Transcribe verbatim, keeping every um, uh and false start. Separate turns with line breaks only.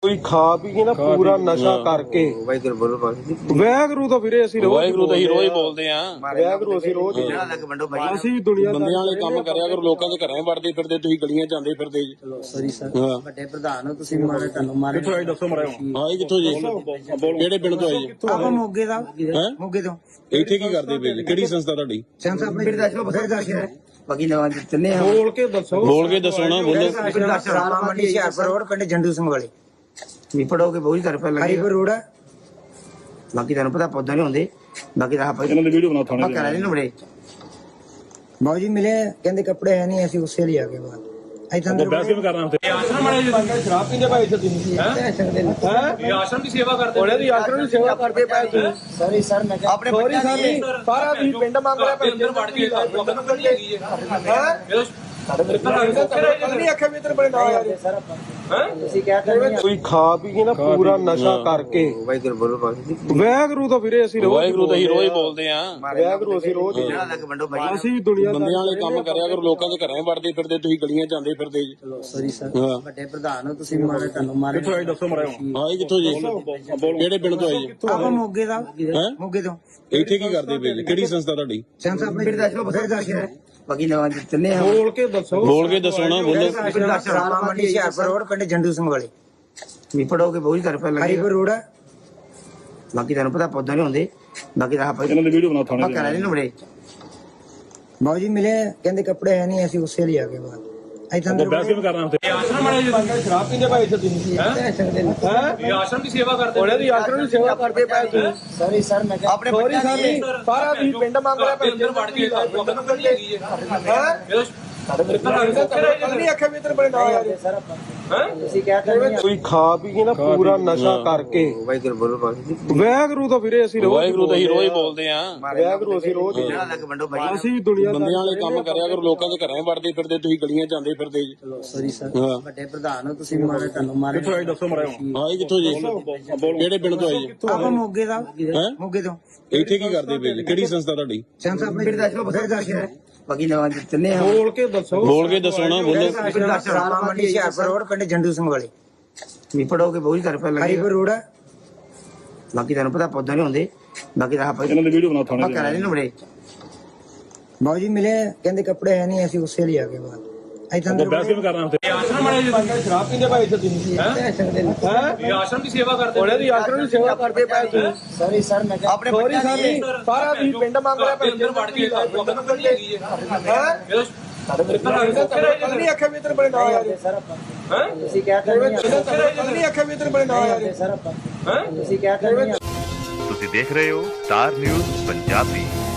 ਕੋਈ ਖਾ ਪੀ ਕੇ ਨਾ ਪੂਰਾ ਨਸ਼ਾ ਕਰਕੇ
ਵਾਹਿਗੁਰੂ ਬੋਲੋ ਬਾਕੀ
ਵਾਹਿਗੁਰੂ ਤਾਂ ਵੀਰੇ ਅਸੀਂ ਰੋਜ਼
ਵਾਹਿਗੁਰੂ ਤਾਂ ਹੀ ਰੋਜ਼ ਬੋਲਦੇ ਆ।
ਵਾਹਿਗੁਰੂ ਅਸੀਂ ਰੋਜ਼ ਹੀ
ਜਿਹੜਾ ਲੱਗ ਵੰਡੋ ਬਾਈ
ਅਸੀਂ ਦੁਨੀਆ
ਬੰਦਿਆਂ ਵਾਲੇ ਕੰਮ ਕਰਿਆ ਕਰੋ, ਲੋਕਾਂ ਦੇ ਘਰਾਂ ਵੜਦੇ ਫਿਰਦੇ, ਤੁਸੀਂ ਗਲੀਆਂ ਜਾਂਦੇ ਫਿਰਦੇ ਜੀ।
ਸੌਰੀ ਸਰ
ਹਾਂ
ਵੱਡੇ ਪ੍ਰਧਾਨ ਹੋ ਤੁਸੀਂ, ਮਾਰੇ ਤੁਹਾਨੂੰ ਮਾਰੇ
ਕਿੱਥੋਂ ਆਏ ਦੱਸੋ ਮੜਿਓ।
ਆਏ ਕਿੱਥੋਂ ਜੀ? ਕਿਹੜੇ ਪਿੰਡ ਤੋਂ ਆਏ ਜੀ?
ਆਪਾਂ ਮੋਗੇ ਦਾ
ਹੈਂ?
ਮੋਗੇ ਤੋਂ
ਇੱਥੇ ਕੀ ਕਰਦੇ ਪਏ ਜੀ? ਕਿਹੜੀ ਸੰਸਥਾ ਤੁਹਾਡੀ?
ਸੰਸਾ ਆਪਣੇ ਬਿਰਦਾਸ਼ਰਮ ਬਥੇਰੇ ਬਾਕੀ ਨਵਾਂ ਜਿੱਤਨੇ ਆ
ਬੋਲ ਕੇ ਦੱਸੋ
ਬੋਲ ਕੇ ਦੱਸੋ ਨਾ, ਬੋਲੋ।
ਰਾਮਾ ਮੰਡੀ ਹਿਆਰਪੁਰ ਰੋਡ ਪਿੰਡ ਜੰਡੂ ਸਿੰਘ ਵਾਲੇ ਵੀ ਪੜੋਗੇ ਬਹੁਤ ਤਰਫ ਲੱਗੇ ਹਰੀਪੁਰ ਰੋਡ ਬਾਕੀ ਤੁਹਾਨੂੰ ਪਤਾ ਪੌਦਾ ਨਹੀਂ ਹੁੰਦੇ ਬਾਕੀ ਤਾਂ ਆਪਾਂ
ਇਹਨਾਂ ਦੀ ਵੀਡੀਓ ਬਣਾ ਥਾਣੇ
ਆਪਾਂ ਕਰਾ ਲੈਣ ਬੜੇ ਬਾਊ ਜੀ ਮਿਲੇ ਕਹਿੰਦੇ ਕੱਪੜੇ ਹੈ ਨਹੀਂ, ਅਸੀਂ ਉਸੇ ਲਈ ਆ ਗਏ ਬਾਅਦ ਇਦਾਂ
ਤੇ ਬਹਿਸ ਕਿਵੇਂ ਕਰਨਾ ਉੱਥੇ?
ਆਸ਼ਰਮ ਵਾਲੇ ਜੀ ਸ਼ਰਾਬ ਪੀਂਦੇ ਭਾਈ ਇੱਥੇ ਤੁਸੀਂ ਹੈ ਹੈ ਆਸ਼ਰਮ ਦੀ ਸੇਵਾ ਕਰਦੇ ਉਹਨੇ ਦੀ ਆਸ਼ਰਮ ਦੀ ਸੇਵਾ ਕਰਦੇ ਪਏ ਤੁਸੀਂ
ਸੌਰੀ ਸਰ ਮੈਂ
ਆਪਣੇ ਸੌਰੀ ਸਾਡੀ ਸਾਰਾ ਤੁਸੀਂ ਪਿੰਡ ਮੰਗ ਰਿਹਾ ਭਾਈ ਅੰਦਰ ਵੜ ਕੇ ਤੁਹਾਨੂੰ ਕੱਢੀ ਹੈਗੀ ਹੈ ਨਹੀਂ ਅੱਖੇ ਵੀ ਇਧਰ ਬੜੇ ਨਾ ਯਾਰ
ਸਰ ਆਪਾਂ ਤੁਸੀਂ ਕਹਿ ਰਹੇ
ਕੋਈ ਖਾ ਪੀ ਕੇ ਨਾ ਪੂਰਾ ਨਸ਼ਾ ਕਰਕੇ
ਵਾਹਿਗੁਰੂ ਬੋਲੋ ਬਾਕੀ
ਵਾਹਿਗੁਰੂ ਤਾਂ ਵੀਰੇ ਅਸੀਂ ਰੋਜ਼
ਵਾਹਿਗੁਰੂ ਤਾਂ ਹੀ ਰੋਜ਼ ਬੋਲਦੇ ਆ।
ਵਾਹਿਗੁਰੂ ਅਸੀਂ ਰੋਜ਼ ਹੀ
ਜਿਹੜਾ ਲੱਗ ਵੰਡੋ ਬਾਈ
ਅਸੀਂ ਦੁਨੀਆ
ਬੰਦਿਆਂ ਵਾਲੇ ਕੰਮ ਕਰਿਆ ਕਰੋ, ਲੋਕਾਂ ਦੇ ਘਰਾਂ ਵੜਦੇ ਫਿਰਦੇ, ਤੁਸੀਂ ਗਲੀਆਂ ਜਾਂਦੇ ਫਿਰਦੇ ਜੀ।
ਸੌਰੀ ਸਰ
ਹਾਂ
ਵੱਡੇ ਪ੍ਰਧਾਨ ਹੋ ਤੁਸੀਂ, ਮਾਰੇ ਤੁਹਾਨੂੰ ਮਾਰੇ
ਕਿੱਥੋਂ ਆਏ ਦੱਸੋ ਮੜਿਓ।
ਆਏ ਕਿੱਥੋਂ ਜੀ? ਕਿਹੜੇ ਪਿੰਡ ਤੋਂ ਆਏ ਜੀ?
ਆਪਾਂ ਮੋਗੇ ਦਾ
ਹੈਂ?
ਮੋਗੇ ਤੋਂ
ਇੱਥੇ ਕੀ ਕਰਦੇ ਪਏ ਜੀ? ਕਿਹੜੀ ਸੰਸਥਾ ਤੁਹਾਡੀ?
ਸੰਸਾ ਆਪਣੇ ਬਿਰਦਾਸ਼ਰਮ ਬਥੇਰੇ ਬਾਕੀ ਨਵਾਂ ਜਿੱਤਨੇ ਆ
ਬੋਲ ਕੇ ਦੱਸੋ
ਬੋਲ ਕੇ ਦੱਸੋ ਨਾ, ਬੋਲੋ।
ਰਾਮਾ ਮੰਡੀ ਹਿਆਰਪੁਰ ਰੋਡ ਪਿੰਡ ਜੰਡੂ ਸਿੰਘ ਵਾਲੇ ਵੀ ਪੜੋਗੇ ਬਹੁਤ ਤਰਫ ਲੱਗੇ ਹਰੀਪੁਰ ਰੋਡ ਬਾਕੀ ਤੁਹਾਨੂੰ ਪਤਾ ਪੌਦਾ ਨਹੀਂ ਹੁੰਦੇ ਬਾਕੀ ਤਾਂ ਆਪਾਂ
ਇਹਨਾਂ ਦੀ ਵੀਡੀਓ ਬਣਾ ਥਾਣੇ
ਆਪਾਂ ਕਰਾ ਲੈਣ ਬੜੇ ਬਾਊ ਜੀ ਮਿਲੇ ਕਹਿੰਦੇ ਕੱਪੜੇ ਹੈ ਨਹੀਂ, ਅਸੀਂ ਉਸੇ ਲਈ ਆ ਗਏ ਬਾਅਦ ਇਦਾਂ
ਤੇ ਬਹਿਸ ਕਿਵੇਂ ਕਰਨਾ ਉੱਥੇ?
ਆਸ਼ਰਮ ਵਾਲੇ ਜੀ ਸ਼ਰਾਬ ਪੀਂਦੇ ਭਾਈ ਇੱਥੇ ਤੁਸੀਂ ਹੈ ਹੈ ਆਸ਼ਰਮ ਦੀ ਸੇਵਾ ਕਰਦੇ ਉਹਨੇ ਦੀ ਆਸ਼ਰਮ ਦੀ ਸੇਵਾ ਕਰਦੇ ਪਏ ਤੁਸੀਂ
ਸੌਰੀ ਸਰ ਮੈਂ
ਆਪਣੇ ਸੌਰੀ ਸਾਡੀ ਸਾਰਾ ਤੁਸੀਂ ਪਿੰਡ ਮੰਗ ਰਿਹਾ ਭਾਈ ਅੰਦਰ ਵੜ ਕੇ ਤੁਹਾਨੂੰ ਕੱਢੀ ਹੈਗੀ ਹੈ ਨਹੀਂ ਅੱਖੇ ਵੀ ਇਧਰ ਬੜੇ ਨਾ ਯਾਰ
ਸਰ ਆਪਾਂ ਤੁਸੀਂ ਕਹਿ ਰਹੇ
ਕੋਈ ਖਾ ਪੀ ਕੇ ਨਾ ਪੂਰਾ ਨਸ਼ਾ ਕਰਕੇ
ਵਾਹਿਗੁਰੂ ਬੋਲੋ ਬਾਕੀ
ਵਾਹਿਗੁਰੂ ਤਾਂ ਵੀਰੇ ਅਸੀਂ ਰੋਜ਼
ਵਾਹਿਗੁਰੂ ਤਾਂ ਹੀ ਰੋਜ਼ ਬੋਲਦੇ ਆ।
ਵਾਹਿਗੁਰੂ ਅਸੀਂ ਰੋਜ਼ ਹੀ
ਜਿਹੜਾ ਲੱਗ ਵੰਡੋ ਬਾਈ
ਅਸੀਂ ਦੁਨੀਆ
ਬੰਦਿਆਂ ਵਾਲੇ ਕੰਮ ਕਰਿਆ ਕਰੋ, ਲੋਕਾਂ ਦੇ ਘਰਾਂ ਵੜਦੇ ਫਿਰਦੇ, ਤੁਸੀਂ ਗਲੀਆਂ ਜਾਂਦੇ ਫਿਰਦੇ ਜੀ।
ਸੌਰੀ ਸਰ
ਹਾਂ
ਵੱਡੇ ਪ੍ਰਧਾਨ ਹੋ ਤੁਸੀਂ, ਮਾਰੇ ਤੁਹਾਨੂੰ ਮਾਰੇ
ਕਿੱਥੋਂ ਆਏ ਦੱਸੋ ਮੜਿਓ।
ਆਏ ਕਿੱਥੋਂ ਜੀ? ਕਿਹੜੇ ਪਿੰਡ ਤੋਂ ਆਏ ਜੀ?
ਆਪਾਂ ਮੋਗੇ ਦਾ
ਹੈਂ?
ਮੋਗੇ ਤੋਂ
ਇੱਥੇ ਕੀ ਕਰਦੇ ਪਏ ਜੀ? ਕਿਹੜੀ ਸੰਸਥਾ ਤੁਹਾਡੀ?
ਸੰਸਾ ਆਪਣੇ ਬਿਰਦਾਸ਼ਰਮ ਬਥੇਰੇ ਬਾਕੀ ਨਵਾਂ ਜਿੱਤਨੇ ਆ
ਬੋਲ ਕੇ ਦੱਸੋ
ਬੋਲ ਕੇ ਦੱਸੋ ਨਾ, ਬੋਲੋ।
ਰਾਮਾ ਮੰਡੀ ਹਿਆਰਪੁਰ ਰੋਡ ਪਿੰਡ ਜੰਡੂ ਸਿੰਘ ਵਾਲੇ ਵੀ ਪੜੋਗੇ ਬਹੁਤ ਤਰਫ ਲੱਗੇ ਹਰੀਪੁਰ ਰੋਡ ਬਾਕੀ ਤੁਹਾਨੂੰ ਪਤਾ ਪੌਦਾ ਨਹੀਂ ਹੁੰਦੇ ਬਾਕੀ ਤਾਂ ਆਪਾਂ
ਇਹਨਾਂ ਦੀ ਵੀਡੀਓ ਬਣਾ ਥਾਣੇ
ਆਪਾਂ ਕਰਾ ਲੈਣ ਬੜੇ ਬਾਊ ਜੀ ਮਿਲੇ ਕਹਿੰਦੇ ਕੱਪੜੇ ਹੈ ਨਹੀਂ, ਅਸੀਂ ਉਸੇ ਲਈ ਆ ਗਏ ਬਾਅਦ ਇਦਾਂ
ਤੇ ਬਹਿਸ ਕਿਵੇਂ ਕਰਨਾ ਉੱਥੇ?
ਆਸ਼ਰਮ ਵਾਲੇ ਜੀ ਸ਼ਰਾਬ ਪੀਂਦੇ ਭਾਈ ਇੱਥੇ ਤੁਸੀਂ ਹੈ ਹੈ ਆਸ਼ਰਮ ਦੀ ਸੇਵਾ ਕਰਦੇ ਉਹਨੇ ਦੀ ਆਸ਼ਰਮ ਦੀ ਸੇਵਾ ਕਰਦੇ ਪਏ ਤੁਸੀਂ
ਸੌਰੀ ਸਰ ਮੈਂ
ਆਪਣੇ ਸੌਰੀ ਸਾਡੀ ਸਾਰਾ ਤੁਸੀਂ ਪਿੰਡ ਮੰਗ ਰਿਹਾ ਭਾਈ ਅੰਦਰ ਵੜ ਕੇ ਤੁਹਾਨੂੰ ਕੱਢੀ ਹੈਗੀ ਹੈ ਨਹੀਂ ਅੱਖੇ ਵੀ ਇਧਰ ਬੜੇ ਨਾ ਯਾਰ
ਸਰ ਆਪਾਂ
ਹੈ
ਤੁਸੀਂ ਕਹਿ ਰਹੇ
ਨਹੀਂ ਅੱਖੇ ਵੀ ਇਧਰ ਬੜੇ ਨਾ ਯਾਰ
ਸਰ ਆਪਾਂ ਤੁਸੀਂ ਕਹਿ ਰਹੇ
ਤੁਸੀਂ ਦੇਖ ਰਹੇ ਹੋ ਸਟਾਰ ਨਿਊਜ਼ ਪੰਜਾਬੀ।